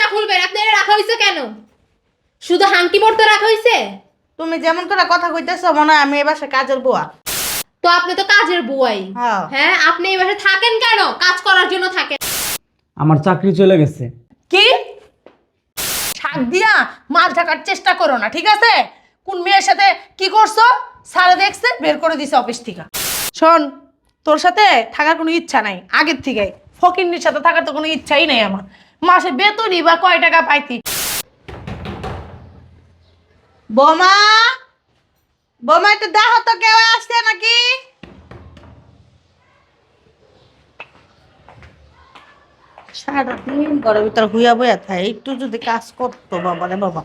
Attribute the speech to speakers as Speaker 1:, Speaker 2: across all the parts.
Speaker 1: খুলবেন। আপনারা রাখা হয়েছে কেন? শুধু হাঙ্কি পড়তে রাখা হয়েছে?
Speaker 2: তুমি যেমন করে কথা কইতেছো মনে হয় আমি এবার কাজের বুয়া।
Speaker 1: তো আপনি তো কাজের বুয়াই।
Speaker 2: হ্যাঁ।
Speaker 1: হ্যাঁ, আপনি এই বাসায় থাকেন কেন? কাজ করার জন্য থাকেন।
Speaker 3: আমার চাকরি চলে গেছে।
Speaker 4: কি শাক দিয়া মাছ ঢাকার চেষ্টা করো না, ঠিক আছে? কোন মেয়ের সাথে কি করছো সারা দেখছে, বের করে দিছে অফিস থেকে। শোন, তোর সাথে থাকার কোনো ইচ্ছা নাই আগের থেকে। ফকিন্নির সাথে থাকার তো কোনো ইচ্ছাই নাই আমার। মাসে বেতনই বা কয় টাকা পাইতি।
Speaker 2: বোমা, বোমা একটু দেখো তো কেউ আসছে নাকি। সারাদিন ঘরের ভিতর হুইয়া বইয়া থাকে, একটু যদি কাজ করতো বাবা রে বাবা।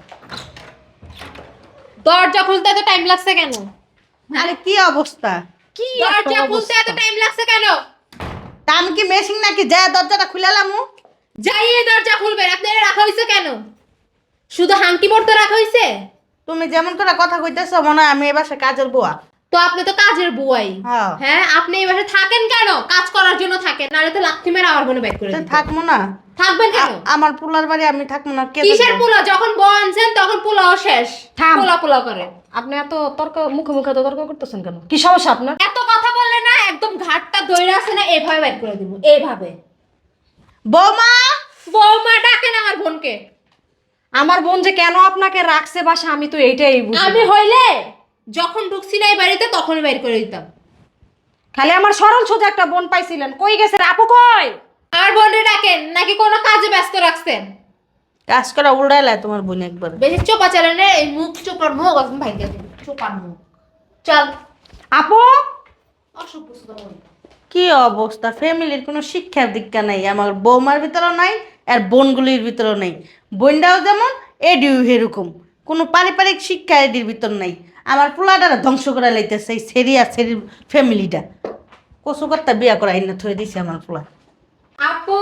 Speaker 1: দরজা খুলতে এত টাইম লাগছে কেন?
Speaker 2: আরে কি অবস্থা, কি
Speaker 1: দরজা খুলতে এত টাইম লাগছে কেন?
Speaker 2: তা আমি কি মেশিন নাকি যা দরজাটা খুলালামু?
Speaker 1: যাই এই দরজা খুলবেন। আপনারা রাখা হয়েছে কেন? শুধু হাঙ্কি পড়তে রাখা হয়েছে?
Speaker 2: তুমি যেমন করে কথা কইতেছো মনে হয় আমি এবার কাজের বুয়া।
Speaker 1: তো আপনি তো কাজের বুয়াই।
Speaker 2: হ্যাঁ।
Speaker 1: হ্যাঁ, আপনি এই বাসায় থাকেন কেন? কাজ করার জন্য থাকেন, নাহলে তো লাথি মেরে আমার বোনে বের করে
Speaker 2: তো
Speaker 1: দিত।
Speaker 2: থাকবো না?
Speaker 1: থাকবেন কেন?
Speaker 2: আমার পুলার বাড়ি আমি থাকবো না কে
Speaker 1: কিসের
Speaker 2: দেখবো?
Speaker 1: পোলা? যখন বউ আনছেন তখন পোলাও শেষ।
Speaker 4: থাম।
Speaker 1: পোলা পোলা করে।
Speaker 4: আপনি এত তর্ক মুখে মুখে তো তর্ক করতেছেন কেন? কি সমস্যা আপনার?
Speaker 1: এত কথা বললে না, একদম ঘাটটা ধরে আছে না, এভাবে বের করে দিব। এইভাবে।
Speaker 2: বৌমা,
Speaker 1: বৌমা ডাকেন আমার বোনকে।
Speaker 4: আমার বোন যে কেন আপনাকে রাখছে বাসা আমি তো এইটাই বুঝি না।
Speaker 1: আমি হইলে যখন ঢুকছি না এই বাড়িতে তখনই বের করে দিতাম।
Speaker 4: খালি আমার সরল সোজা একটা বোন পাইছিলেন, কই গেছে রে? আপু কই?
Speaker 1: আর বোনরে ডাকেন নাকি কোনো কাজে ব্যস্ত রাখছেন?
Speaker 2: কাজ করা উড়াইলা তোমার বোন একবার।
Speaker 1: বেশি চোপা চালানে এই মুখ চোপার মুখ একদম ভাইকে দিন। চোপার মুখ। চল।
Speaker 4: আপু
Speaker 1: অসভ্য সুদা বল।
Speaker 2: কি অবস্থা, ফ্যামিলির কোনো শিক্ষার দীক্ষা নাই, আমার বৌমার ভিতরেও নাই আর বোনগুলির ভিতরেও নাই। বোনটাও যেমন এডিও এরকম, কোনো পারিবারিক শিক্ষা এডির ভিতর নাই। আমার পোলাটারা ধ্বংস করে লাইতেছে এই সেরি আর সেরির ফ্যামিলিটা। কচু কর্তা বিয়া করা না থয়ে দিছে আমার পোলা।
Speaker 1: আপু,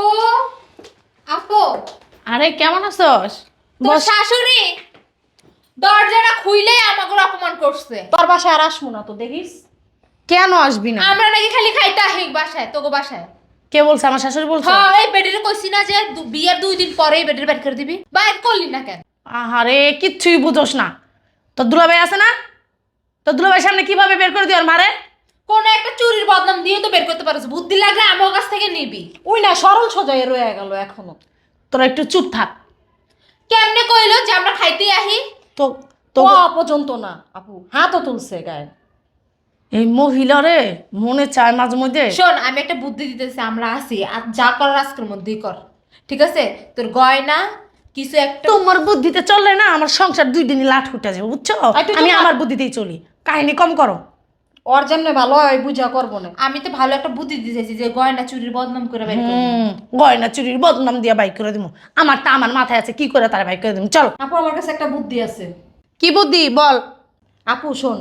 Speaker 1: আপু,
Speaker 4: আরে কেমন আছস?
Speaker 1: তোর শাশুড়ি দরজাটা খুইলেই আমাকে অপমান করছে।
Speaker 4: তোর বাসায় আর আসবো না তো, দেখিস। কেন আসবি না?
Speaker 1: আমরা নাকি খালি খাইতে আহি বাসায়, তোকে বাসায়।
Speaker 4: কে বলছে? আমার শাশুড়ি বলছে?
Speaker 1: হ্যাঁ, এই বেডের কইছি না যে বিয়ের 2 দিন পরেই বেডের বের করে দিবি। বাইর করলি না কেন?
Speaker 4: আহারে কিচ্ছুই বুঝোস না। তোর দুলাভাই আছে না? তোর দুলাভাই সামনে কিভাবে বের করে দিও আর মারে?
Speaker 1: কোন একটা চুরির বদনাম দিয়ে তো বের করতে পারছ। বুদ্ধি লাগলে আমার কাছ থেকে নিবি।
Speaker 4: ওই না সরল সোজাই রয়ে গেল এখনো। তোরা একটু চুপ থাক।
Speaker 1: কেমনে কইলো যে আমরা খাইতে আহি?
Speaker 4: তো তো পর্যন্ত না আপু, হাতও তুলছে গায়ে। এই মহিলারে মনে চায় মাঝে মধ্যে।
Speaker 1: শোন, আমি একটা বুদ্ধি দিতেছি, আমরা আসি আর যা করার আজকের মধ্যেই কর। ঠিক আছে? তোর গয়না কিছু একটা।
Speaker 4: তোমার বুদ্ধিতে চললে না আমার সংসার 2 দিনই লাট উঠে যাবে, বুঝছো? আমি আমার বুদ্ধিতেই চলি, কাহিনী কম করো। ওর জন্য ভালো হয় বুঝা করবো না।
Speaker 1: আমি তো ভালো একটা বুদ্ধি দিতেছি যে গয়না চুরির বদনাম করে বের করবি।
Speaker 4: গয়না চুরির বদনাম দিয়া বাইক করে দিব। আমারটা আমার মাথায় আছে, কি করে তারা বাইক করে দিব। চল
Speaker 5: আপু আমার কাছে একটা বুদ্ধি আছে।
Speaker 4: কি বুদ্ধি বল।
Speaker 5: আপু শোন,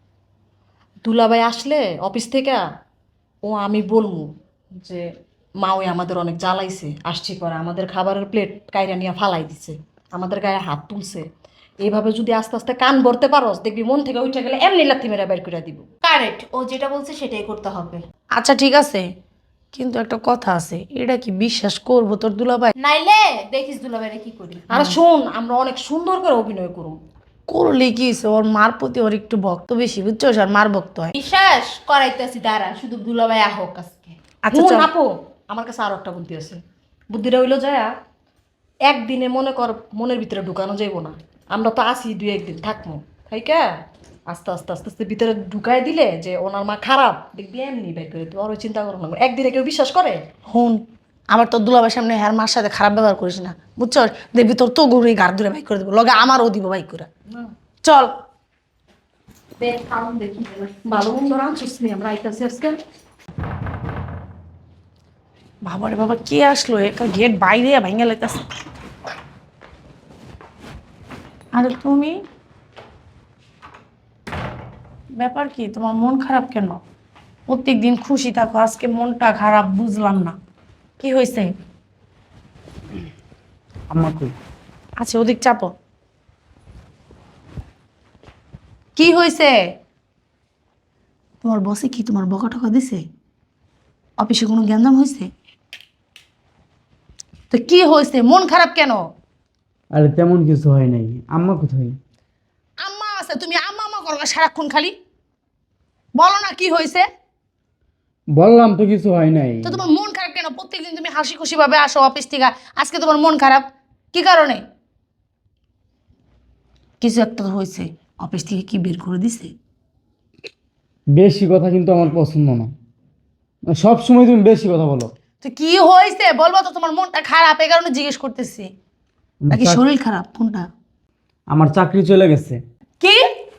Speaker 5: দুলাভাই আসলে অফিস থেকে ও আমি বলমু যে মা ওই আমাদের অনেক জ্বালাইছে, আসছি করে আমাদের খাবারের প্লেট কাইরা নিয়ে ফালাই দিছে, আমাদের গায়ে হাত তুলছে। এইভাবে যদি আস্তে আস্তে কান ভরতে পারোস দেখবি মন থেকে উঠে গেলে এমনি লাথি মেরে বের করে দিব।
Speaker 1: কারেক্ট, ও যেটা বলছে সেটাই করতে হবে।
Speaker 4: আচ্ছা ঠিক আছে, কিন্তু একটা কথা আছে, এটা কি বিশ্বাস করবো তোর দুলাভাই?
Speaker 1: নাইলে দেখিস দুলাভাইরে কি করি।
Speaker 5: আর শোন, আমরা অনেক সুন্দর করে অভিনয় করুম।
Speaker 4: করলে কি হইছে, ওর মার প্রতি ওর একটু ভক্ত বেশি, বুঝছো? আর মার ভক্ত হয়।
Speaker 1: বিশ্বাস করাইতেছি, দাঁড়া শুধু দুলাভাই আহক আজকে।
Speaker 4: আচ্ছা
Speaker 5: হুন
Speaker 4: চল।
Speaker 5: আপু, আমার কাছে আরো একটা বুদ্ধি আছে। বুদ্ধিটা হইলো যায় একদিনে মনে কর মনের ভিতরে ঢুকানো যাইব না, আমরা তো আসি 2-1 দিন থাকবো, তাইকা আস্তে আস্তে আস্তে আস্তে ভিতরে ঢুকাই দিলে যে ওনার মা খারাপ দেখবি এমনি বের করে দিবে। ওর চিন্তা করো না, একদিনে কেউ বিশ্বাস করে?
Speaker 4: হুন, আবার তোর দুলাভাইয়ের সামনে হ্যার মার সাথে খারাপ ব্যবহার করিস না, বুঝছো? দেখবি তোর তো গরুই গাড় ধরে বাইক করে দেবো, লগে আমারও দিব বাইক করে। চল।
Speaker 5: ভালো মন্দ রাঁধছিস নি, আমরা আইতাছি আজকে।
Speaker 4: বাবারে বাবা, কে আসলো? একটা গেট বাইরে ভাঙে লাইতাছে। আরে তুমি, ব্যাপার কি? তোমার মন খারাপ কেন? প্রত্যেক দিন খুশি থাকো, আজকে মনটা খারাপ, বুঝলাম না কি হয়েছে।
Speaker 3: আম্মা কই?
Speaker 4: আচ্ছা ওদিক চাপো। কি হয়েছে? তোমার বসে কি তোমার বকা টকা দিছে? অফিসে কোনো গ্যাঞ্জাম হয়েছে? তো কি হয়েছে, মন খারাপ কেন?
Speaker 3: আরে তেমন কিছু হয় নাই। আম্মা কোথায়?
Speaker 4: আম্মা আছে, তুমি আম্মা আম্মা করো সারাক্ষণ খালি। বলো না কি হয়েছে?
Speaker 3: বললাম তো কিছু হয় নাই।
Speaker 4: তো তোমার মন খারাপ কেন? প্রত্যেকদিন তুমি হাসি খুশি ভাবে আসো অফিস থেকে, আজকে তোমার মন খারাপ কি কারণে? কিছু একটা তো হয়েছে। অফিস থেকে কি বের করে দিছে?
Speaker 3: বেশি কথা কিন্তু আমার পছন্দ না। সব সময় তুমি বেশি কথা বলো।
Speaker 4: তো কি হয়েছে বলবো তো? তোমার মনটা খারাপ এই কারণে জিজ্ঞেস করতেছি। নাকি শরীর খারাপ কোনটা?
Speaker 3: আমার চাকরি চলে গেছে।
Speaker 4: কি?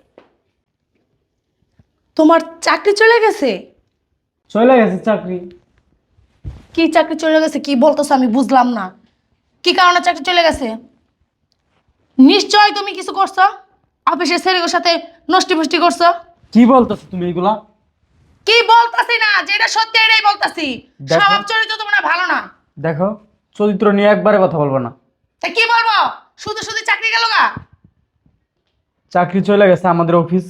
Speaker 4: তোমার চাকরি চলে গেছে?
Speaker 3: চলে গেছে চাকরি।
Speaker 4: কি চাকরি চলে গেছে কি বলতেছো? আমি বুঝলাম না কি কারণে চাকরি চলে গেছে। নিশ্চয় তুমি কিছু করছো, অফিসের ছেলেগুলোর সাথে নষ্টি ফষ্টি করছো।
Speaker 3: কি বলতেছো তুমি এগুলা?
Speaker 4: কি বলতাছি না, যেটা সত্যি এটাই বলতাছি।
Speaker 3: দেখো।
Speaker 4: স্বভাব চরিত্র তোমার ভালো না।
Speaker 3: দেখো, চরিত্র নিয়ে একবারে কথা বলবো না।
Speaker 4: তা কি বলবো? শুধু শুধু চাকরি গেল গা।
Speaker 3: চাকরি চলে গেছে, আমাদের অফিস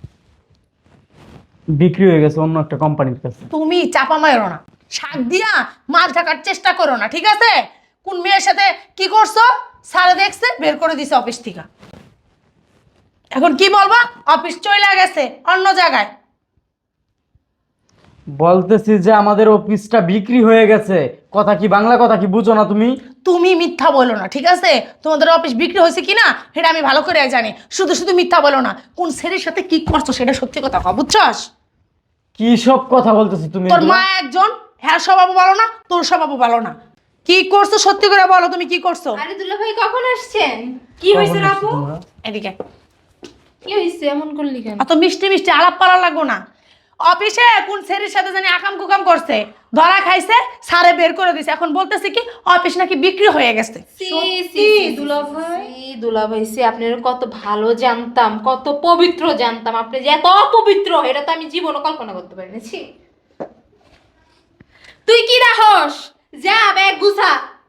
Speaker 3: বিক্রি হয়ে গেছে অন্য একটা কোম্পানির কাছে।
Speaker 4: তুমি চাপা মারো না, শাক দিয়া মাছ ঢাকার চেষ্টা করো না, ঠিক আছে? কোন মেয়ের সাথে কি করছো স্যারে দেখছে, বের করে দিছে অফিস থেকে। এখন কি বলবা? অফিস চলে গেছে অন্য জায়গায়।
Speaker 3: বলতেছি যে আমাদের অফিসটা বিক্রি হয়ে গেছে। কথা কি বাংলা কথা কি বুঝো না তুমি?
Speaker 4: তুমি মিথ্যা বলো না, ঠিক আছে? তোমাদের অফিস বিক্রি হয়েছে কিনা সেটা আমি ভালো করে জানি। শুধু শুধু মিথ্যা বলো না। কোন ছেলের সাথে কি করছো সেটা সত্যি কথা কও, বুঝছস?
Speaker 3: কি সব কথা বলতেছো তুমি
Speaker 4: তোর
Speaker 3: এগুলা?
Speaker 4: মা একজন, হ্যাঁ স্বভাবও ভালো না, তোর স্বভাবও ভালো না। কি করছো সত্যি করে বলো, তুমি কি করছো?
Speaker 1: আরে দুলা ভাই কখন আসছেন? কি
Speaker 3: কখন
Speaker 1: হয়েছে
Speaker 3: আসছো
Speaker 1: আপু?
Speaker 3: তোমরা?
Speaker 4: এদিকে
Speaker 1: কি হয়েছে এমন করলি কেন?
Speaker 4: এত মিষ্টি মিষ্টি আলাপ পালা লাগবো না। অফিসে কোন ছেলের সাথে জানি আকাম কুকাম করছে, ধরা খাইছে, সারে বের করে দিছে। এখন বলতেছে কি অফিস নাকি বিক্রি হয়ে গেছে।
Speaker 1: দুলা ভাই সে আপনার কত ভালো জানতাম, কত পবিত্র জানতাম। আপনি যে এত অপবিত্র এটা তো আমি জীবনও কল্পনা করতে পারিনি। ছি। তুই কি রাহস? যা ব্যাগ গুছা।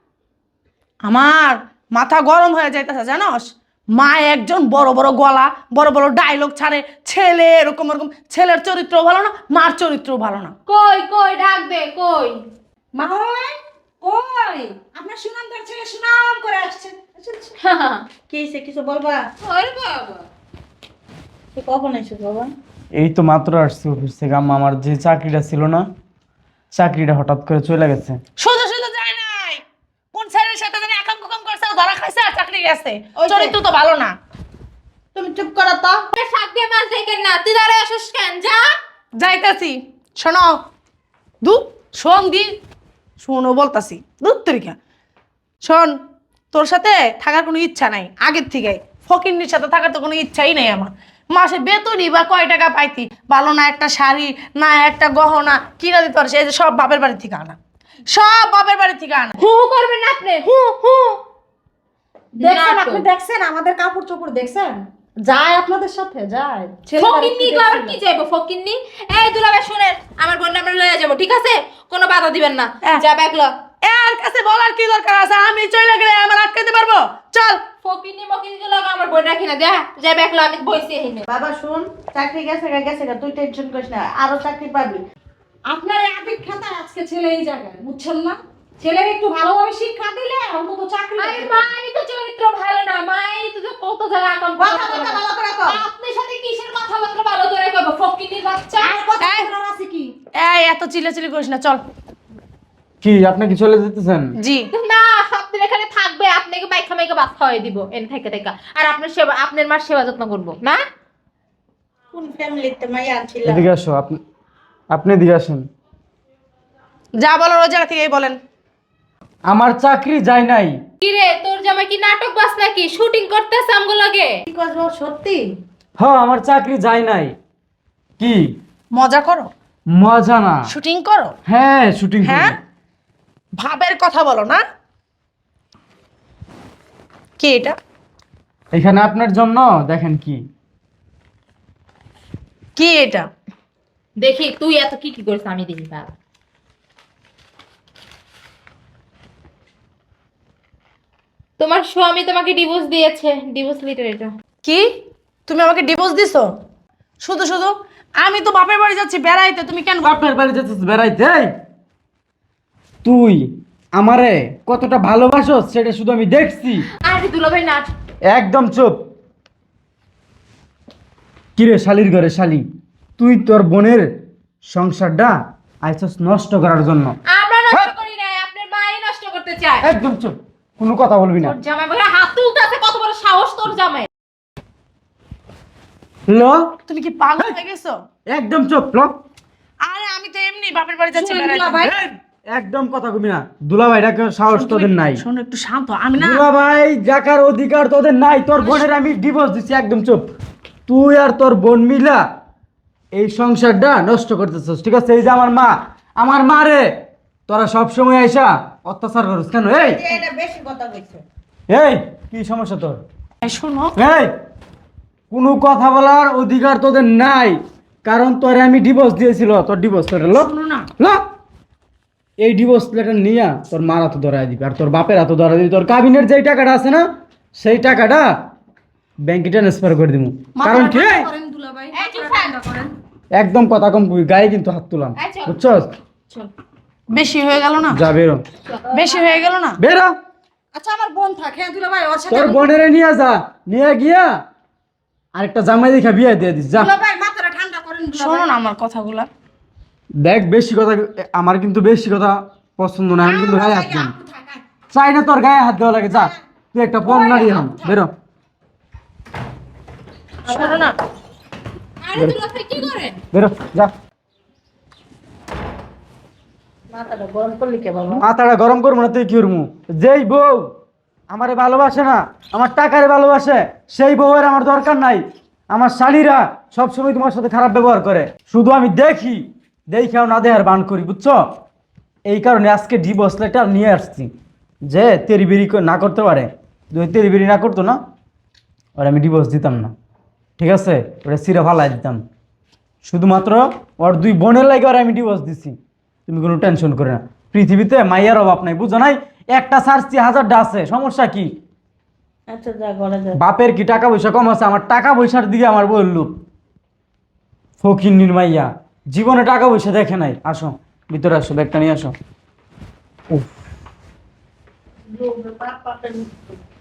Speaker 4: আমার মাথা গরম হয়ে যাইতেছে জানোস। মা একজন বড় বড় গলা, বড় বড় ডায়লগ ছাড়ে। ছেলে এরকম এরকম, ছেলের চরিত্র ভালো না, মার চরিত্র ভালো না।
Speaker 1: কই কই ডাক দে কই।
Speaker 2: মা কই আপনার সুনামদার ছেলে সুনাম করে আসছে। কি হয়েছে কিছু বলবা?
Speaker 1: ওরে বাবা।
Speaker 2: তুই কখন এসেছিস বাবা?
Speaker 3: এই তো মাত্র আসছি অফিস থেকে। আম্মা, আমার যে চাকরিটা ছিল না, চাকরিটা হঠাৎ করে চলে গেছে।
Speaker 4: শুধু শুধু যায় নাই, কোন ছেলের সাথে জানি আকাম কুকাম করছে, ও ধরা খাইছে আর চাকরি গেছে।
Speaker 2: ওই যে।
Speaker 4: চরিত্র তো ভালো না।
Speaker 2: তুমি চুপ করো তো।
Speaker 1: শাক দিয়ে মাছ দেখেন না, তুই দাঁড়ায় আসিস কেন? যা।
Speaker 4: যাইতাছি, শোনো দু শোন দি শোনো বলতাছি দুধ তরিকা। শোন, তোর সাথে থাকার কোনো ইচ্ছা নাই আগের থেকে। ফকিন্নির সাথে থাকার তো কোনো ইচ্ছাই নেই আমার। মাসে বেতনই বা কয় টাকা পাইতি, ভালো না একটা শাড়ি, না একটা গহনা কিনা দিতে পারছে। এই যে সব বাপের বাড়ি থেকে আনা, সব বাপের বাড়ি থেকে আনা।
Speaker 1: হু করবেন না আপনি, হু হু।
Speaker 2: দেখছেন আপনি, দেখছেন আমাদের কাপড় চোপড় দেখছেন? যায় আপনাদের সাথে যায়।
Speaker 1: ফকিন্নি আবার কি যাইবো ফকিন্নি? এই দুলাভাই শুনেন, আমার বোন আমরা লয়ে যাবো, ঠিক আছে? কোনো বাধা দিবেন না। যা ব্যাগ ল।
Speaker 4: এর কাছে বলার কি দরকার আছে? আমি চলে গেলে আমার আটকাতে পারবো? চল।
Speaker 1: ফকিন্নি মকিন্নি গুলো আমার বোন রাখি না। যা ব্যাগ ল, আমি বইছি এখানে।
Speaker 2: বাবা শুন, চাকরি গেছে গা গেছে গা, তুই টেনশন করিস না, আরো চাকরি পাবি।
Speaker 6: আপনার এই অপেক্ষাটা আজকে ছেলে এই জায়গায়, বুঝছেন না? ছেলের একটু ভালোভাবে শিক্ষা দিলে অন্তত চাকরি
Speaker 1: আরে
Speaker 6: পেতে পারে।
Speaker 1: মায়েরই তো চরিত্র ভালো না, মায়েরই তো কত জায়গা আকাম
Speaker 2: কথাবার্তা ভালো করে কও।
Speaker 1: আপনার সাথে কিসের কথাবার্তা ভালো করে কইবো? ফকিন্নির বাচ্চা।
Speaker 6: আর কথা
Speaker 4: এই।
Speaker 6: বলার আছে কি?
Speaker 4: এই এত চিল্লাচিল্লি করিস না, চল।
Speaker 3: কি আপনি কি চলে যেতেছেন?
Speaker 4: জি।
Speaker 1: না, আপনার এখানে থাকবে, আপনাকে বাইখা মাইকা ভাত খাওয়াই দিব এনে থেকে থেকে। আর আপনার সেবা, আপনার মার সেবা যত্ন করবো না।
Speaker 2: কোন ফ্যামিলিতে মাইয়া ছিল?
Speaker 3: এদিকে আসো। আপনি এদিকে আসেন।
Speaker 4: যা বলার ওই জায়গা থেকেই বলেন।
Speaker 3: আমার চাকরি যায় নাই।
Speaker 1: কি রে, তোর জামাই কি নাটক বাস নাকি? শুটিং করতেছে আমগো লাগে?
Speaker 2: কি করবো সত্যি?
Speaker 3: হ্যাঁ, আমার চাকরি যায় নাই। কি
Speaker 4: মজা করো,
Speaker 3: মজা না?
Speaker 4: শুটিং করো।
Speaker 3: হ্যাঁ, শুটিং
Speaker 4: হ্যাঁ, ভাবের কথা বলো না। কি এটা?
Speaker 3: এখানে আপনার জন্য দেখেন কি।
Speaker 4: কি এটা?
Speaker 1: দেখি তুই এত কি কি করিস আমি দেখি। বাবা, তোমার স্বামী তোমাকে ডিভোর্স দিয়েছে, ডিভোর্স লেটার এটা।
Speaker 4: কি তুমি আমাকে ডিভোর্স দিছো? শুধু শুধু আমি তো বাপের বাড়ি যাচ্ছি বেড়াইতে, তুমি কেন?
Speaker 3: বাপের বাড়ি যেতেছিস বেড়াইতে? এই, তুই আমারে কতটা ভালোবাসো সেটা শুধু আমি দেখছি।
Speaker 1: আরে দুলাভাই না।
Speaker 3: একদম চুপ। কিরে শালির ঘরে শালি, তুই তোর বোনের সংসারটা আইসস নষ্ট করার জন্য।
Speaker 1: আমরা নষ্ট করি না, আপনার মাই নষ্ট করতে চায়।
Speaker 3: একদম চুপ, কোনো কথা বলবি না।
Speaker 1: তোর জামাই বলে হাত তুলতে আছে, কত বড় সাহস তোর জামাই।
Speaker 3: ল,
Speaker 4: তুমি কি পাগল হয়ে গেছো?
Speaker 3: একদম চুপ ল।
Speaker 4: আরে আমি তো এমনি বাপের বাড়ি যাচ্ছি
Speaker 6: শুনুন
Speaker 4: বেড়াইতে।
Speaker 6: দুলাভাই।
Speaker 3: এই, একদম কথা কবি না। দুলাভাইটাকে সাহস তোদের নাই।
Speaker 4: শোনো একটু শান্ত হ। আমি না
Speaker 3: দুলাভাই দেখার অধিকার তোদের নাই। তোর বোনের আমি ডিভোর্স দিচ্ছি। একদম চুপ। তুই আর তোর বোন মিলা এই সংসারটা নষ্ট করতেছিস, ঠিক আছে? এই যে আমার মা রে তোরা সব সময় আইসা অত্যাচার করিস কেন? এই
Speaker 2: এটা বেশি কথা কইছে।
Speaker 3: এই কি সমস্যা তোর?
Speaker 4: এই শোনো
Speaker 3: এই কোনো কথা বলার অধিকার তোদের নাই, কারণ তোরে আমি ডিভোর্স দিয়েছিল। তোর ডিভোর্স লেটার লো
Speaker 4: না
Speaker 3: লো। এই ডিভোর্স লেটার নিয়ে তোর মার হাতে ধরাই দিবি আর তোর বাপের হাতে ধরাই দিবি। তোর কাবিনের যেই টাকাটা আছে না, সেই টাকাটা ব্যাংকে ট্রান্সফার করে দিব। কারণ কি?
Speaker 6: করেন দুলাভাই,
Speaker 1: এই চুপ
Speaker 6: ঠান্ডা করেন।
Speaker 3: একদম কথা কম কই, গায়ে কিন্তু হাত তুলাম,
Speaker 1: এই চল।
Speaker 3: বুঝছস?
Speaker 4: বেশি হয়ে গেল না?
Speaker 3: যা বেরো,
Speaker 4: বেশি হয়ে গেল না?
Speaker 3: বেরো।
Speaker 6: আচ্ছা আমার বোন থাকে, হ্যাঁ দুলাভাই, ওর সাথে
Speaker 3: তোর বোনেরে নিয়ে যা, নিয়ে গিয়া আরেকটা জামাই দেখা বিয়ে দিয়ে দিস যা।
Speaker 6: দুলাভাই মাথাটা ঠান্ডা করেন
Speaker 4: শোনো
Speaker 6: দুলাভাই।
Speaker 4: না আমার কথাগুলা।
Speaker 3: দেখ বেশি কথা, আমার কিন্তু বেশি কথা পছন্দ না। আমি কিন্তু গায়ে হাত দিই না। চাই না তোর গায়ে হাত দেওয়া লাগে। যা, তুই একটা পণ নাড়ি হন, বেরো।
Speaker 4: শোনো না
Speaker 1: আরে দুলাভাই কি করেন?
Speaker 3: বেরো যা।
Speaker 2: মাথাটা গরম করলি কে বাবা?
Speaker 3: মাথাটা গরম করবো না তুই কি করবো? যেই বউ আমারে ভালোবাসে না, আমার টাকারে ভালোবাসে, সেই বউয়ের আমার দরকার নাই। আমার শালীরা সবসময় তোমার সাথে খারাপ ব্যবহার করে, শুধু আমি দেখি, দেখেও না দেহার বান করি, বুঝছো? এই কারণে আজকে ডিভোর্স লেটার নিয়ে আসছি, যে তেরিবেরি না করতে পারে। যদি তেরিবেরি না করতো না, ওর আমি ডিভোর্স দিতাম না, ঠিক আছে? ওটা সিরা ফালাই দিতাম। শুধুমাত্র ওর দুই বোনের লাগে ওর আমি ডিভোর্স দিছি। তুমি কোনো টেনশন করে না। পৃথিবীতে মাইয়ার অভাব নাই, বুঝো নাই? একটা সার্চি হাজারটা আছে, সমস্যা কি?
Speaker 2: আচ্ছা যা ঘরে যা।
Speaker 3: বাপের কি টাকা পয়সা কম আছে? আমার টাকা পয়সার দিকে আমার বউয়ের লোভ। ফকিন্নির মাইয়া জীবনে টাকা পয়সা দেখে নাই। আসো ভিতরে আসো, ব্যাগটা নিয়ে আসো। উফ,
Speaker 2: বাপ বাপের